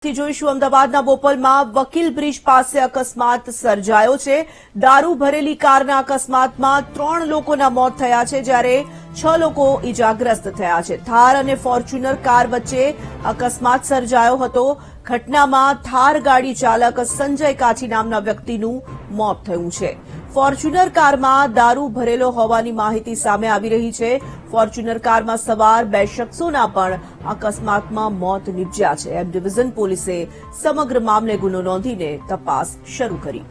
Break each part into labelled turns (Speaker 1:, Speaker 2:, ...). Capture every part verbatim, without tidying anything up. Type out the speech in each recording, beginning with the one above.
Speaker 1: થી જોઈશું અમદાવાદના બોપલમાં વકીલ બ્રિજ પાસે અકસ્માત સર્જાયો છે। દારૂ ભરેલી કારના અકસ્માતમાં ત્રણ લોકોના મોત થયા છે, જ્યારે છ લોકો ઇજાગ્રસ્ત થયા છે। થાર અને ફોર્ચ્યુનર કાર વચ્ચે અકસ્માત સર્જાયો હતો। ઘટનામાં થાર ગાડી ચાલક સંજય કાછી નામના વ્યક્તિનું મોત થયું છે। ફોર્ચ્યુનર કારમાં દારૂ ભરેલો હોવાની માહિતી સામે આવી રહી છે। ફોર્ચ્યુનર કારમાં સવાર બે શખ્સોના પણ અકસ્માતમાં મોત નીપજ્યા છે। એમ ડિવિઝન પોલીસે સમગ્ર મામલે ગુનો નોંધીને તપાસ શરૂ કરી।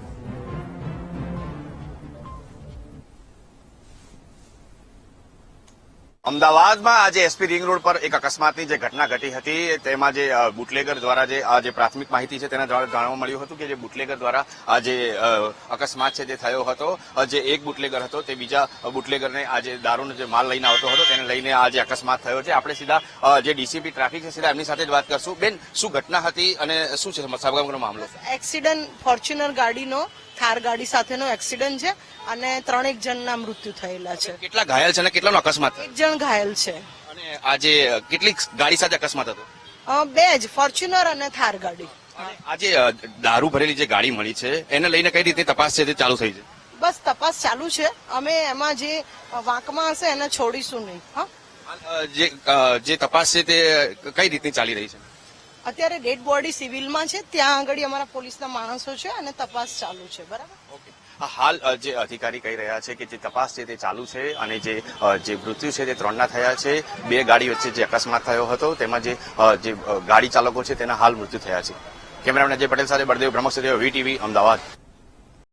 Speaker 2: અમદાવાદમાં આજે એસપી રિંગ રોડ પર એક અકસ્માતની જે ઘટના ઘટી હતી, તેમાં જે બુટલેગર દ્વારા જે આ જે પ્રાથમિક માહિતી છે તેના દ્વારા જાણવા મળ્યું હતું કે જે બુટલેગર દ્વારા આ જે અકસ્માત છે તે થયો હતો। જે એક બુટલેગર હતો તે બીજા બુટલેગરને આ જે દારૂનો જે માલ લઈને આવતો હતો તેને લઈને આ જે અકસ્માત થયો છે। આપણે સીધા જે ડીસીપી ટ્રાફિક છે સીધા એમની સાથે જ વાત કરશું। બેન, શું ઘટના હતી અને શું છે સમગ્ર મામલો?
Speaker 3: એક્સિડન્ટ ફોર્ચ્યુનર ગાડીનો થાર ગાડી સાથેનો એક્સિડન્ટ છે અને ત્રણેક જણના મૃત્યુ થયેલા છે।
Speaker 2: કેટલા ઘાયલ છે અને કેટલાનો અકસ્માત?
Speaker 3: એક જણ ઘાયલ છે।
Speaker 2: અને આજે કેટલી ગાડી સાથે અકસ્માત હતો?
Speaker 3: બે જ, ફોર્ચ્યુનર અને થાર ગાડી।
Speaker 2: આજે દારૂ ભરેલી જે ગાડી મળી છે એને લઈને કઈ રીતે તપાસ છે તે ચાલુ થઈ છે?
Speaker 3: બસ તપાસ ચાલુ છે, અમે એમાં જે વાંકમાં હશે એને છોડીશું નહીં। હા,
Speaker 2: જે જે તપાસ છે તે કઈ રીતની ચાલી રહી છે?
Speaker 3: અત્યારે ડેડ બોડી સિવિલમાં છે, ત્યાં આગળ અમારા પોલીસના માણસો છે અને તપાસ ચાલુ છે। બરાબર,
Speaker 2: ઓકે। હાલ જે અધિકારી કહી રહ્યા છે કે જે તપાસ છે તે ચાલુ છે અને જે જે મૃત્યુ છે તે ત્રણના થયા છે। બે ગાડી વચ્ચે જે અકસ્માત થયો હતો તેમાં જે જે ગાડી ચાલકો છે તેના હાલ મૃત્યુ થયા છે। કેમેરામેન અજય પટેલ સાથે બળદેવ બ્રહ્મક્ષત્રિય વીટીવી અમદાવાદ।